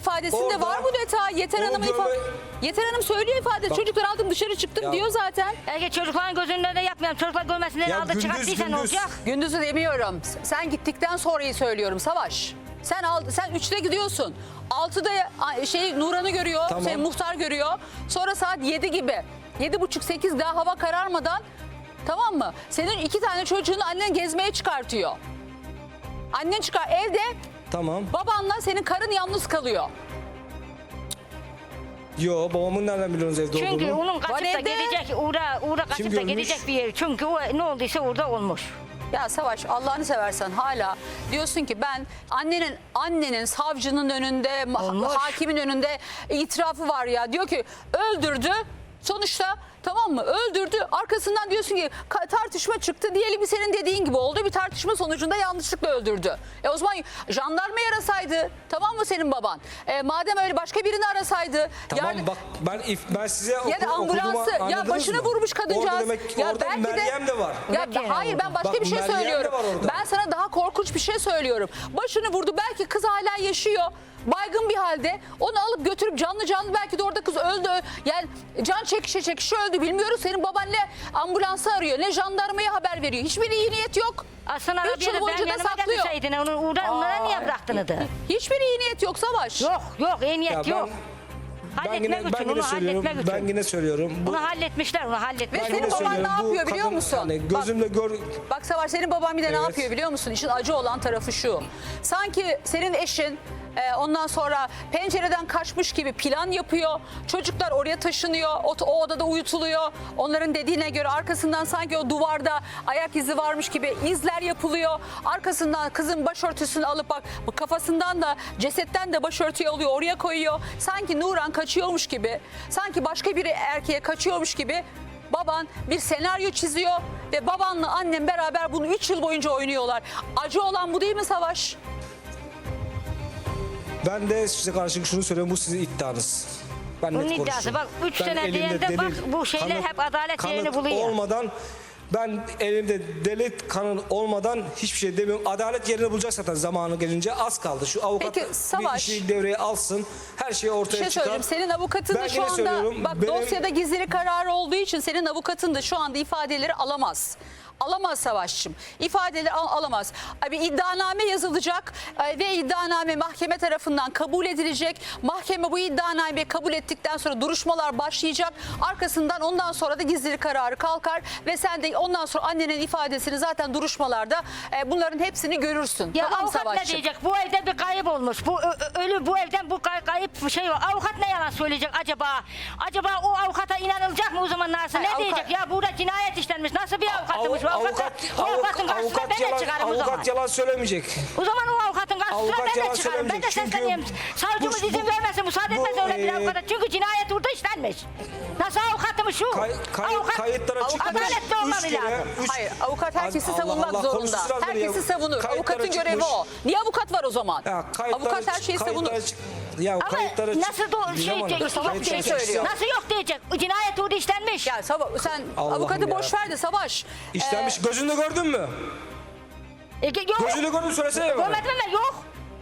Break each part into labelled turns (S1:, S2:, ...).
S1: ifadesinde
S2: Orada
S1: var bu detay. Yeter Hanım söylüyor ifade. Çocuklar aldım dışarı çıktım diyor zaten.
S3: Belki çocukların gözünün önünde yapmayalım. Çocuklar görmesinler,
S2: Ya
S3: aldı
S2: gündüz,
S3: çıkarttıysa ne olacak?
S1: Gündüz'ü demiyorum. Sen gittikten sonrayı söylüyorum Savaş. Sen 3'te gidiyorsun. 6'da Nuran'ı görüyor.
S2: Tamam.
S1: Senin muhtar görüyor. Sonra saat 7 gibi. 7.30-8 daha hava kararmadan, tamam mı? Senin 2 tane çocuğunu annen gezmeye çıkartıyor. Annen çıkar evde,
S2: Tamam.
S1: babanla senin karın yalnız kalıyor.
S2: Yo, babamın nereden biliyorsunuz evde
S3: Çünkü
S2: olduğunu?
S3: onun kaçıp da
S1: evde.
S3: gidecek, uğra kaçıp da
S2: görmüş?
S3: gidecek bir yer. Çünkü o ne olduysa orada olmuş.
S1: Ya Savaş, Allah'ını seversen hala diyorsun ki ben annenin savcının önünde,
S3: Olmuş.
S1: hakimin önünde itirafı var ya. Diyor ki öldürdü. Sonuçta, tamam mı, öldürdü. Arkasından diyorsun ki tartışma çıktı. Diyelim ki senin dediğin gibi oldu. Bir tartışma sonucunda yanlışlıkla öldürdü. O zaman jandarmayı arasaydı, tamam mı senin baban? Madem öyle başka birini arasaydı.
S2: Tamam bak ben size
S1: ya da ambulansı, ya başını vurmuş kadıncağız.
S2: Orada demek
S1: ya
S2: orada Meryem de var.
S1: Hayır, ben başka
S2: Bak,
S1: bir şey
S2: Meryem de
S1: söylüyorum.
S2: var orada.
S1: Ben sana daha korkunç bir şey söylüyorum. Başını vurdu, belki kız hala yaşıyor. Baygın bir halde onu alıp götürüp canlı belki de orada kız öldü. Yani can çekişe öldü, bilmiyoruz. Senin baban ne ambulansı arıyor, ne jandarmaya haber veriyor. Hiçbir iyi niyet yok.
S3: Aslında
S1: 3 yıl
S3: arabaya da
S1: boyunca
S3: ben
S1: da
S3: yanıma
S1: saklıyor.
S3: getirseydin onlara niye bıraktınız?
S1: Hiçbir iyi niyet yok Savaş.
S3: Yok iyi niyet
S2: Ya
S3: yok. Halletmek için, onu halletmek için.
S2: Ben yine söylüyorum.
S3: Bunu halletmişler, onu halletmişler.
S1: Ve senin baban ne yapıyor biliyor musun?
S2: Yani gözümle
S1: Bak Savaş, senin baban bir de ne
S2: Evet.
S1: yapıyor biliyor musun? İşin acı olan tarafı şu. Sanki senin eşin ondan sonra pencereden kaçmış gibi plan yapıyor. Çocuklar oraya taşınıyor. O odada uyutuluyor. Onların dediğine göre arkasından sanki o duvarda ayak izi varmış gibi izler yapılıyor. Arkasından kızın başörtüsünü alıp bak kafasından da cesetten de başörtüyü alıyor, oraya koyuyor. Sanki Nuran kaçıyormuş gibi, sanki başka bir erkeğe kaçıyormuş gibi baban bir senaryo çiziyor ve babanla annem beraber bunu 3 yıl boyunca oynuyorlar. Acı olan bu değil mi Savaş?
S2: Ben de size karşı şunu söylüyorum, bu sizin iddianız. Ben
S3: Bunun
S2: net
S3: iddiası
S2: konuşuyorum.
S3: bak, 3
S2: Ben
S3: sene
S2: elimde
S3: diyende bak bu şeyler hep adalet yerini buluyor.
S2: olmadan, ben elimde delil kanın olmadan hiçbir şey demiyorum. Adalet yerini bulacak zaten zamanı gelince, az kaldı. Şu avukat
S1: Peki,
S2: bir
S1: Savaş,
S2: işi devreye alsın, her şey
S1: Bir
S2: ortaya
S1: şey
S2: çıkar.
S1: söyleyeyim. Senin avukatın da
S2: Ben
S1: şu
S2: yine
S1: anda
S2: söylüyorum,
S1: bak
S2: benim-
S1: dosyada gizlilik kararı olduğu için senin avukatın da şu anda ifadeleri alamaz. Alamaz Savaş'cığım. İfadeleri alamaz. Bir iddianame yazılacak ve iddianame mahkeme tarafından kabul edilecek. Mahkeme bu iddianameyi kabul ettikten sonra duruşmalar başlayacak. Arkasından ondan sonra da gizlilik kararı kalkar ve sen de ondan sonra annenin ifadesini zaten duruşmalarda bunların hepsini görürsün.
S3: Ya
S1: tamam
S3: avukat ne
S1: Savaş'cığım?
S3: diyecek? Bu evde bir kayıp olmuş. Bu ölü, bu evden bu kayıp bir şey var. Avukat ne yalan söyleyecek acaba? Acaba o avukata inanılacak mı o zaman nasıl?
S1: Hayır,
S3: Ne diyecek? Ya burada cinayet işlenmiş. Nasıl bir avukatmış bu avukat? O avukatın karşısına ben de çıkarım o zaman.
S2: Avukat yalan söylemeyecek.
S3: O zaman o avukatın karşısına
S2: Avukat
S3: ben de
S2: yalan
S3: çıkarım. Ben de
S2: söylemeyecek. Çünkü
S3: sesleniyorum. Savcımız
S2: bu-
S3: izin vermesin, müsaade
S2: bu,
S3: etmesin öyle bir avukata. Çünkü cinayet burada işlenmiş. Nasıl avukatmış şu?
S2: Kayıtlara çıkmış.
S3: Adaletli olmalı lazım.
S1: Hayır, avukat herkesi
S2: Allah
S1: savunmak
S2: Allah,
S1: zorunda.
S2: konuşsun lazım
S1: Herkesi
S2: ya.
S1: savunur.
S2: Kayıtlara
S1: Avukatın
S2: çıkmış.
S1: görevi o. Niye avukat var o zaman?
S2: Ya,
S1: Avukat her şeyi savunur.
S2: Ya
S3: Ama
S2: kayıtlara
S3: nasıl doğru şey
S2: Bilemem.
S3: diyecek?
S1: Salak bir şey söylüyor.
S3: Nasıl yok diyecek? Cinayet orada işlenmiş.
S1: Ya sen
S2: Allah'ım
S1: avukatı boş
S2: ya.
S1: ver de Savaş.
S2: İşlenmiş. Gözünde gördün mü?
S3: Yok.
S2: Gözünde gördün mü, söylesene bana.
S3: Görmedim mi? Yok.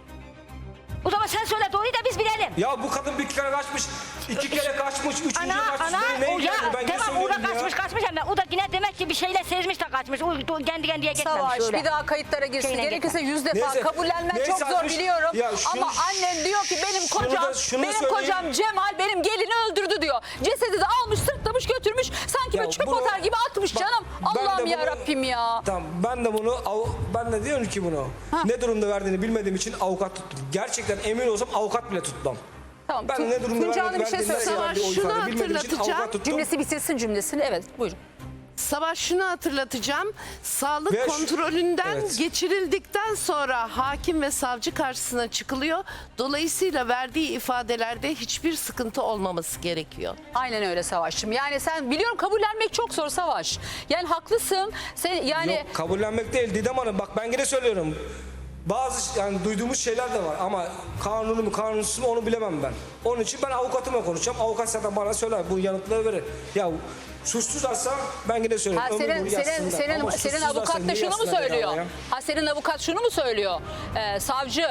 S3: O zaman sen söyle doğruyu da biz bilelim.
S2: Ya bu kadın bir kere kaçmış, 2 kere kaçmış, 3.
S3: Ana
S2: kaçmış. Ne
S3: o ya
S2: ilgilendi? Ben ne
S3: tamam orada
S2: söyleyeyim ya?
S3: kaçmış ama o da yine demek ki bir şeyle sezmiş de kaçmış. O kendi kendine gitmemiş
S1: Savaş
S3: öyle.
S1: bir daha kayıtlara girsin.
S3: Şeyine
S1: Gerekirse 100 defa
S2: Neyse,
S1: kabullenmen
S2: neyse,
S1: çok zor
S2: atmış.
S1: biliyorum.
S2: Ya şunu-
S1: Ama annen diyor ki benim kocam
S2: şunu söyleyeyim.
S1: kocam Cemal benim gelini öldürdü diyor. Cesedi de almış, sırtlamış, götürmüş. Sanki
S2: Ya
S1: böyle çöp
S2: bunu-
S1: atar gibi atmış
S2: Bak,
S1: canım.
S2: ben de
S1: Allah'ım
S2: bunu-
S1: ya Rabbim ya.
S2: Tamam, ben de diyorum ki bunu. Ne durumda verdiğini bilmediğim için avukat tuttum. Gerçekten emin olsam avukat bile tutmam.
S1: Tamam.
S2: Ben ne durumda
S1: Tuncay Hanım bir şey
S2: verdiğini
S1: söylüyor.
S2: verdiği o
S4: Şunu
S2: ifadeyi bilmediğim için
S4: hatırlatacağım.
S2: avukat tuttum.
S1: Cümlesi bitirsin cümlesini. Evet buyurun.
S4: Savaş, şunu hatırlatacağım. Sağlık
S2: Ve
S4: kontrolünden
S2: evet.
S4: geçirildikten sonra hakim ve savcı karşısına çıkılıyor. Dolayısıyla verdiği ifadelerde hiçbir sıkıntı olmaması gerekiyor.
S1: Aynen öyle Savaş'cığım. Yani sen biliyorum kabullenmek çok zor Savaş. Yani haklısın. Sen yani
S2: Yok, kabullenmek değil Didem Hanım, bak ben yine söylüyorum. Bazı yani duyduğumuz şeyler de var ama kanunu mu kanunsuz mu onu bilemem ben. Onun için ben avukatımla konuşacağım. Avukat zaten bana söyler, bu yanıtları verir. Ya suçsuzlarsa ben yine söylüyorum.
S1: Ha, senin avukat da şunu mu söylüyor? Ha, senin avukat şunu mu söylüyor? Savcı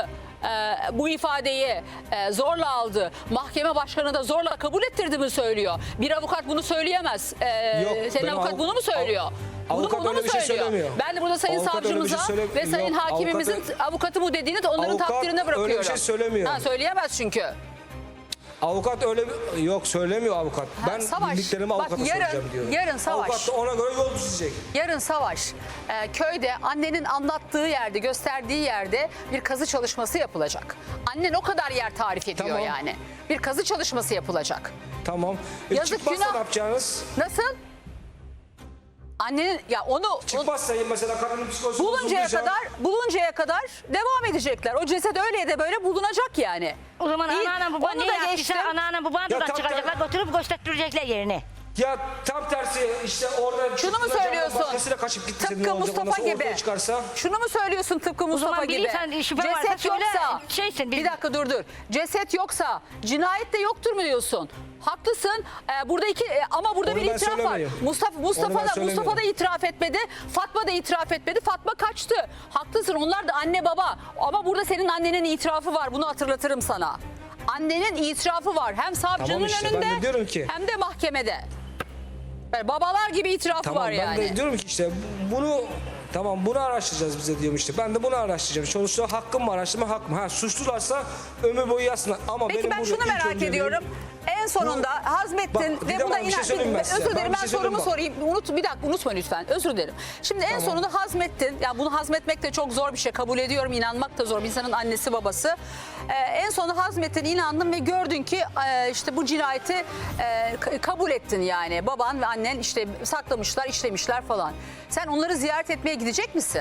S1: bu ifadeyi zorla aldı. Mahkeme başkanı da zorla kabul ettirdi mi söylüyor. Bir avukat bunu söyleyemez. Senin
S2: benim
S1: avukat bunu mu söylüyor?
S2: avukat
S1: Bunu
S2: öyle
S1: mu
S2: bir şey
S1: söylüyor?
S2: söylemiyor.
S1: Ben de burada sayın
S2: Avukat öyle bir şey
S1: savcımıza ve sayın
S2: Yok,
S1: hakimimizin avukatı bu dediğini de onların
S2: Avukat
S1: takdirine bırakıyorum.
S2: öyle bir şey söylemiyor.
S1: Ha, söyleyemez çünkü.
S2: Avukat öyle yok söylemiyor avukat. Ben
S1: Savaş,
S2: bildiklerimi
S1: bak
S2: avukata
S1: yarın-
S2: soracağım diyor.
S1: yarın Savaş.
S2: Avukat da ona göre yol çizecek.
S1: Yarın Savaş köyde annenin anlattığı yerde, gösterdiği yerde bir kazı çalışması yapılacak. Annen o kadar yer tarif ediyor
S2: Tamam.
S1: yani. Bir kazı çalışması yapılacak.
S2: Tamam.
S1: Yazık,
S2: Çıkmazsa
S1: günah.
S2: ne yapacaksınız?
S1: Nasıl? Annenin ya onu
S2: Çıkmazsa mesela kadının psikolojisi
S1: buluncaya kadar devam edecekler. O ceset öyle de böyle bulunacak yani.
S3: O zaman
S1: İyi,
S3: anneannem baban
S1: onu
S3: ne
S1: da
S3: yaptıysa
S1: geçtim.
S3: anneannem baban
S2: Ya
S3: buradan
S2: tam-
S3: çıkaracaklar götürüp göstertirecekler yerine.
S2: Ya tam tersi işte orada
S1: Şunu mu
S2: çıktığında
S1: söylüyorsun?
S2: Başkasıyla kaçıp gitti. senin
S1: Tıpkı
S2: olacak, ondan
S1: Mustafa
S2: sonra
S1: gibi.
S2: ortaya çıkarsa.
S1: Şunu mu söylüyorsun tıpkı Mustafa
S3: zaman
S1: gibi?
S3: bilirsen, şüphe varsa söyle, şeysin,
S1: bir dakika dur. Ceset yoksa cinayet de yoktur mu diyorsun? Haklısın. Burada ama burada
S2: Onu
S1: bir
S2: ben
S1: itiraf var.
S2: söylemiyorum. Onu ben
S1: Mustafa
S2: söylemiyorum.
S1: da itiraf etmedi. Fatma da itiraf etmedi. Fatma kaçtı. Haklısın. Onlar da anne baba. Ama burada senin annenin itirafı var. Bunu hatırlatırım sana. Annenin itirafı var. Hem savcının
S2: Tamam işte, ben
S1: önünde
S2: de diyorum ki-
S1: hem de mahkemede. Yani babalar gibi itirafı
S2: Tamam
S1: var
S2: ben
S1: yani.
S2: de diyorum ki işte bunu tamam bunu araştıracağız bize diyorum işte. Ben de bunu araştıracağım. Sonuçta hakkım mı araştırma hakkım. Ha suçlularsa ömür boyu yatsınlar. Ama
S1: Peki
S2: benim
S1: ben
S2: burada
S1: şunu
S2: ilk
S1: merak
S2: önceliğim-
S1: ediyorum. En sonunda hazmettin
S2: Bak,
S1: ve
S2: Didem
S1: buna
S2: Hanım, bir şey söyleyeyim ben size.
S1: Özür dilerim,
S2: Bir
S1: ben
S2: şey
S1: sorumu
S2: söyleyeyim
S1: sorayım. Bir dakika unutma lütfen. Özür dilerim. Şimdi en sonunda hazmettin. Ya bunu hazmetmek de çok zor bir şey. Kabul ediyorum. İnanmak da zor. Bir insanın annesi babası. En sonunda hazmettin, inandın ve gördün ki işte bu cinayeti kabul ettin yani. Baban ve annen işte saklamışlar, işlemişler falan. Sen onları ziyaret etmeye gidecek misin?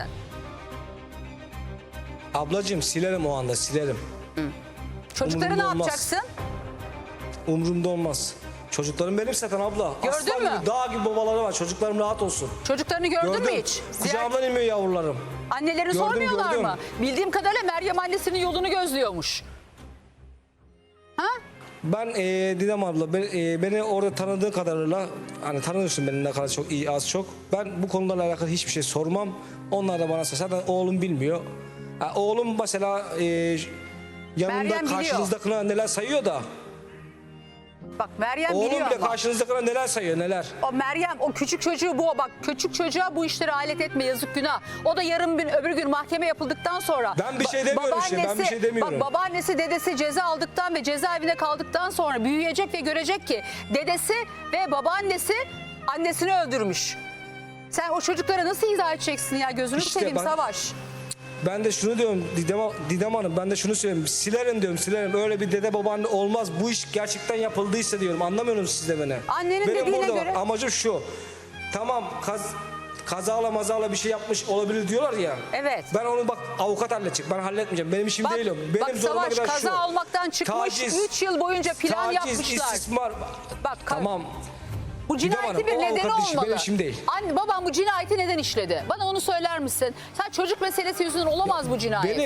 S2: Ablacığım silerim o anda silerim.
S1: Çocukları ne
S2: Umurumda olmaz.
S1: yapacaksın?
S2: Umurumda olmaz. Çocuklarım benim zaten abla.
S1: Gördün
S2: Aslan
S1: mü?
S2: gibi dağ gibi babaları var. Çocuklarım rahat olsun.
S1: Çocuklarını gördün mü
S2: Gördüm.
S1: hiç? Ziyaret...
S2: Kucağımdan inmiyor yavrularım.
S1: Annelerini
S2: Gördüm,
S1: sormuyorlar
S2: gördüm.
S1: mı? Bildiğim kadarıyla Meryem annesinin yolunu gözlüyormuş. Ha?
S2: Ben Didem abla beni orada tanıdığı kadarıyla hani tanıyorsun beni ne kadar çok iyi az çok. Ben bu konularla alakalı hiçbir şey sormam. Onlar da bana sorsa. Zaten oğlum bilmiyor. Ha, oğlum mesela yanında
S1: Meryem biliyor.
S2: karşınızdakine neler sayıyor da.
S1: Bak Meryem
S2: Oğlum
S1: biliyor
S2: bile
S1: ama.
S2: karşınızdakine neler sayıyor neler.
S1: O Meryem o küçük çocuğu bak küçük çocuğa bu işlere alet etme yazık günah. O da yarın bir öbür gün mahkeme yapıldıktan sonra.
S2: Ben bir şey demiyorum işte, ben bir şey demiyorum.
S1: Bak babaannesi dedesi ceza aldıktan ve cezaevinde kaldıktan sonra büyüyecek ve görecek ki dedesi ve babaannesi annesini öldürmüş. Sen o çocuklara nasıl izah edeceksin ya gözünü
S2: İşte
S1: seveyim
S2: ben-
S1: Savaş.
S2: Ben de şunu diyorum Didem Hanım ben de şunu söylüyorum. Silerim diyorum silerim. Öyle bir dede babaanne olmaz. Bu iş gerçekten yapıldıysa diyorum. Anlamıyor musunuz siz de beni?
S1: Annenin
S2: Benim
S1: dediğine
S2: burada bak,
S1: göre-
S2: amacım şu. Tamam kazala mazala bir şey yapmış olabilir diyorlar ya.
S1: Evet.
S2: Ben onu bak avukat halledecek. Ben halletmeyeceğim. Benim işim değil o. Benim
S1: bak
S2: zoruma
S1: Savaş
S2: giden
S1: kaza
S2: şu.
S1: olmaktan çıkmış
S2: Taciz,
S1: 3 yıl boyunca plan
S2: taciz,
S1: yapmışlar.
S2: istismar.
S1: Bak
S2: Tamam.
S1: Bu
S2: Didem
S1: cinayeti
S2: Hanım,
S1: bir
S2: o
S1: nedeni
S2: avukatın işi,
S1: olmalı.
S2: benim işim değil.
S1: Anne babam bu cinayeti neden işledi? Bana onu söyler misin? Sen çocuk meselesi yüzünden olamaz bu cinayet.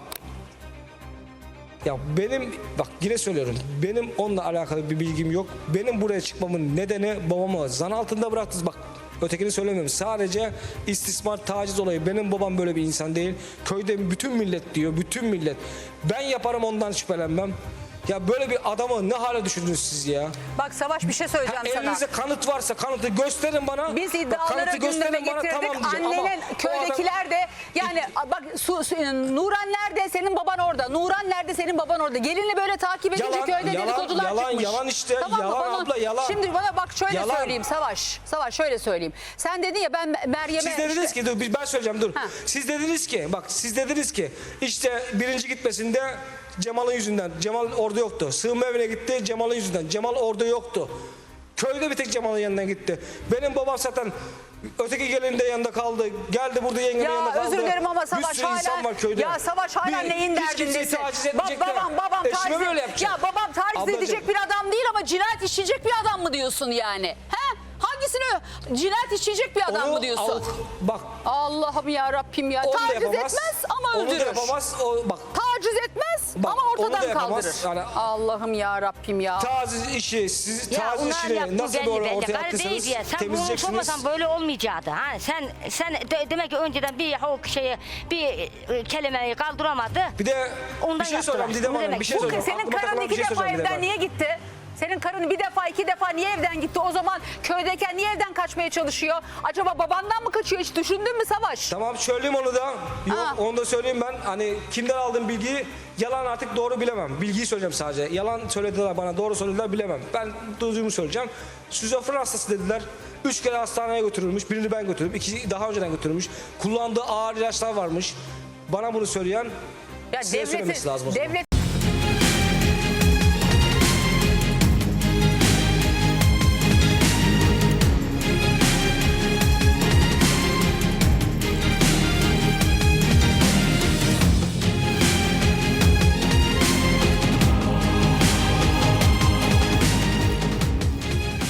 S2: Benim bak yine söylüyorum. Benim onunla alakalı bir bilgim yok. Benim buraya çıkmamın nedeni babamı zan altında bıraktınız. Bak ötekini söylemiyorum. Sadece istismar, taciz olayı. Benim babam böyle bir insan değil. Köyde bütün millet diyor. Bütün millet. Ben yaparım ondan şüphelenmem. Ya böyle bir adamı ne hale düşürdünüz siz ya?
S1: Bak Savaş bir şey söyleyeceğim sana.
S2: Elinizde kanıt varsa kanıtı gösterin bana.
S1: Biz
S2: Bak,
S1: iddiaları
S2: kanıtı
S1: gündeme
S2: gösterin bana,
S1: getirdik.
S2: tamam diyeceğim.
S1: Annenin
S2: Ama
S1: köydekiler de yani bak Nuran nerede senin baban orada. Nuran nerede senin baban orada. Gelinle böyle takip edince
S2: Yalan,
S1: köyde
S2: yalan,
S1: dedikodular
S2: yalan,
S1: çıkmış.
S2: yalan işte, yalan abla, yalan.
S1: Şimdi bana bak şöyle
S2: Yalan.
S1: söyleyeyim Savaş. Savaş şöyle söyleyeyim. Sen dedin ya ben Meryem'e
S2: Siz dediniz
S1: işte-
S2: ki dur ben söyleyeceğim dur.
S1: Ha.
S2: Siz dediniz ki işte birinci gitmesinde Cemal'ın yüzünden. Cemal orada yoktu. Sığınma evine gitti Cemal'ın yüzünden. Cemal orada yoktu. Köyde bir tek Cemal'ın yanından gitti. Benim babam zaten öteki gelinin de yanında kaldı. Geldi burada yengenin yanında kaldı.
S1: özür dilerim ama
S2: Bir
S1: Savaş
S2: sürü insan
S1: hala
S2: var köyde.
S1: ya Savaş hala neyin
S2: hiç kimseyi
S1: derdindesin?
S2: taciz edecekler.
S1: Babam
S2: Eşime
S1: taciz
S2: böyle yapacak.
S1: ya babam taciz
S2: Ablacığım.
S1: edecek bir adam değil ama cinayet işleyecek bir adam mı diyorsun yani? He? Hangisini cinayet işleyecek bir adam
S2: Onu
S1: mı diyorsun?
S2: bak
S1: Allah'ım ya Rabbim ya.
S2: onu da
S1: Taciz
S2: yapamaz.
S1: etmez ama
S2: Onu da
S1: öldürür.
S2: yapamaz. O, bak
S1: Taciz taciz etmez
S2: Bak,
S1: ama
S2: onu da
S1: ortadan
S2: yapamaz.
S1: kaldırır.
S2: Yani-
S1: Allah'ım ya Rabbim ya.
S2: Taciz işi, siz
S3: Ya
S2: taciz
S3: onlar
S2: işini
S3: yaptı
S2: nasıl
S3: belli
S2: doğru
S3: belli.
S2: ortaya
S3: Karı değil
S2: attıysanız
S3: diye. Sen bunu
S2: temizleyeceksiniz.
S3: sormasan böyle olmayacaktı. Ha, sen demek ki önceden bir o şeyi bir kelimeyi kaldıramadı.
S2: Bir de
S3: Ondan
S2: bir şey
S3: yaptılar.
S2: soracağım Didem
S3: Bu
S2: Hanım,
S3: demek.
S2: bir şey
S1: Bu
S2: soracağım.
S1: senin
S2: Aklıma
S1: karın
S2: takılan bir
S1: 2
S2: şey
S1: defa
S2: soracağım Didem
S1: evden
S2: Hanım.
S1: niye gitti? Senin karın bir defa 2 defa niye evden gitti? O zaman köydeyken niye evden kaçmaya çalışıyor? Acaba babandan mı kaçıyor, hiç düşündün mü Savaş?
S2: Tamam söyleyeyim onu da. Yok
S1: Ha.
S2: onu da söyleyeyim ben. Hani kimden aldığım bilgiyi yalan artık doğru bilemem. Bilgiyi söyleyeceğim sadece. Yalan söylediler bana, doğru söylediler bilemem. Ben duyduğumu söyleyeceğim. Şizofren hastası dediler. 3 kere hastaneye götürülmüş. Birini ben götürdüm. 2'si daha önceden götürülmüş. Kullandığı ağır ilaçlar varmış. Bana bunu söyleyen
S1: Ya
S2: size söylemesi lazım o zaman.
S1: devlet